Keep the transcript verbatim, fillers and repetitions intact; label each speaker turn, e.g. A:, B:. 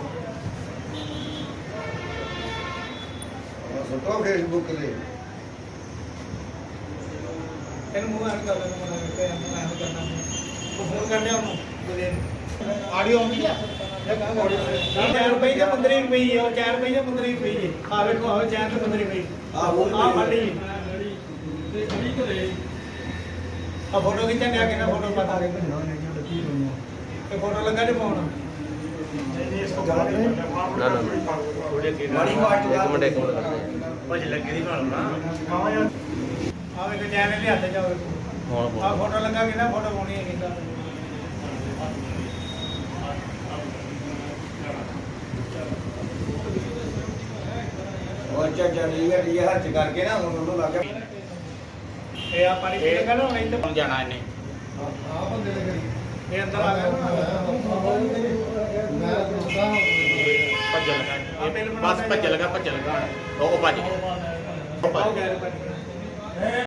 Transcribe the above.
A: सुटो Facebook से
B: इन मुंह add कर लेना मना करते हैं मुंह ऐड करना तो फोन कर लिया उन्होंने ऑडियो आउंदी है ये कहां ऑडियो चार रुपए या पंद्रह रुपए है और चार रुपए या पंद्रह रुपए है आ देखो आ चार से पंद्रह रुपए हां वो आ फटी ते खड़ी करे आ फोटो खींचा क्या कहना फोटो बता दे तो फोटो लगा दे फोन
C: ना ना
A: बड़ी बात
C: एक मिनट एक मिनट
D: भाजी लगे दी भाल ना
B: आ वे चैनल ले आते जाओ
C: ਹੁਣ
B: आ फोटो लगा के ना फोटो होनी है किदा
A: और चाचा ने ये ये हर्ज करके ना उन्होंने लगा
B: ये आ पानी पीने का ना नहीं तो
D: हम जाना है नहीं
A: हां बंदे ने करी
B: ये अंदर आ गया
A: मैं दोस्ता
D: भज लगा बस भज लगा भज लगा ओ भज
B: हो गया